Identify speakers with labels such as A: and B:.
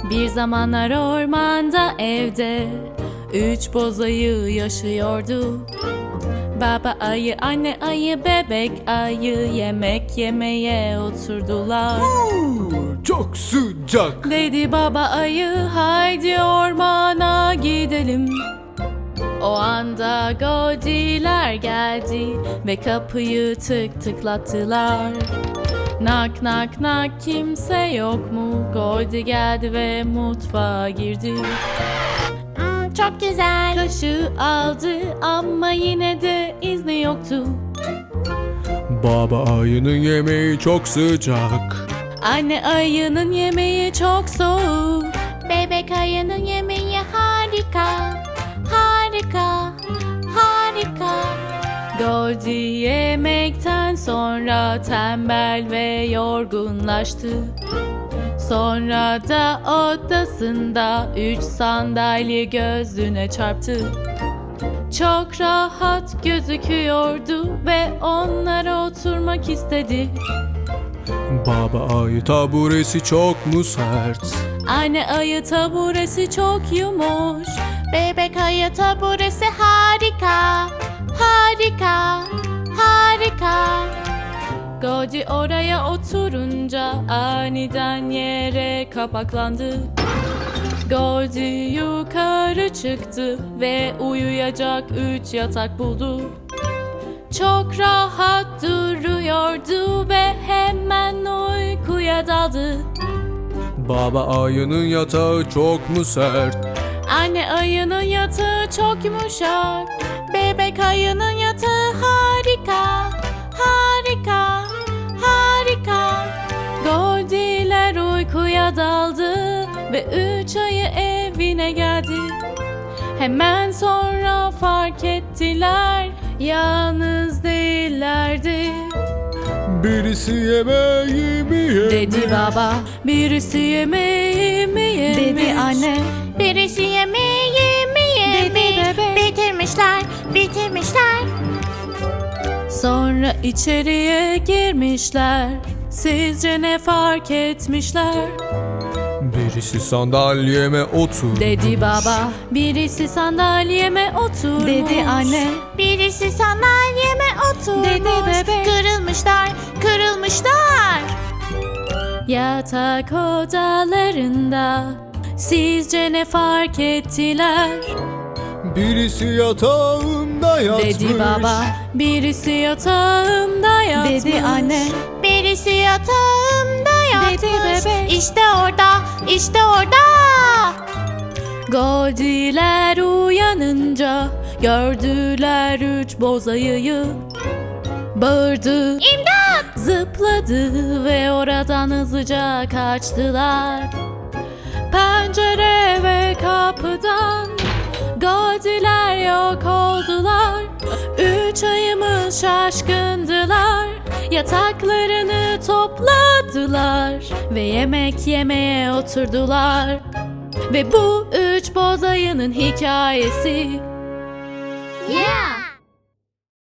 A: Bir zamanlar ormanda evde 3 boz ayı yaşıyordu. Baba ayı, anne ayı, bebek ayı yemek yemeye oturdular.
B: Çok sıcak.
A: Dedi baba ayı, haydi ormana gidelim. O anda Godiler geldi ve kapıyı tık tıklattılar. Nak nak nak, kimse yok mu? Godi geldi ve mutfağa girdi.
C: Çok güzel.
A: Kaşığı aldı ama yine de izni yoktu.
B: Baba ayının yemeği çok sıcak.
A: Anne ayının yemeği çok soğuk.
C: Bebek ayının yemeği harika. Harika. Harika.
A: Godi yemekten sonra tembel ve yorgunlaştı. Sonra da odasında 3 sandalye gözüne çarptı. Çok rahat gözüküyordu ve onlara oturmak istedi.
B: Baba ayı taburesi çok mu sert?
A: Anne ayı taburesi çok yumuş.
C: Bebek ayı taburesi harika. Harika. Harika.
A: Godi oraya oturunca aniden yere kapaklandı. Godi yukarı çıktı ve uyuyacak 3 yatak buldu. Çok rahat duruyordu ve hemen uykuya daldı.
B: Baba ayının yatağı çok mu sert?
A: Anne ayının yatağı çok yumuşak.
C: Bebek ayının yatağı harika. Harika. Harika.
A: Godiler uykuya daldı ve 3 ayı evine geldi. Hemen sonra fark ettiler, yalnız değillerdi.
B: Birisi yemeğimi yemiş.
A: Dedi baba, birisi yemeğimi yemiş. Dedi anne,
C: Birisi yemeği mi yemiş?
A: Dedi bebek.
C: Bitirmişler. Bitirmişler.
A: sonra içeriye girmişler. Sizce ne fark etmişler?
B: Birisi sandalyeme oturmuş.
A: Dedi baba, birisi sandalyeme oturmuş. Dedi anne,
C: Birisi sandalyeme oturmuş.
A: Dedi bebek.
C: Kırılmışlar. Kırılmışlar.
A: yatak odalarında sizce ne fark ettiler?
B: Birisi yatağımda yatmış.
A: Dedi baba, birisi yatağımda yatmış. Dedi anne,
C: Birisi yatağımda yatmış.
A: Dedi bebek.
C: İşte orada. İşte orada.
A: Godiler uyanınca gördüler 3 boz ayıyı. Bağırdı,
C: İmdat.
A: zıpladı ve oradan hızlıca kaçtılar. Pencere ve kapıdan Godiler yok oldular. 3 ayımız şaşkındılar. Yataklarını topladılar ve yemek yemeye oturdular. Ve bu 3 boz ayının hikayesi.
C: Yeah.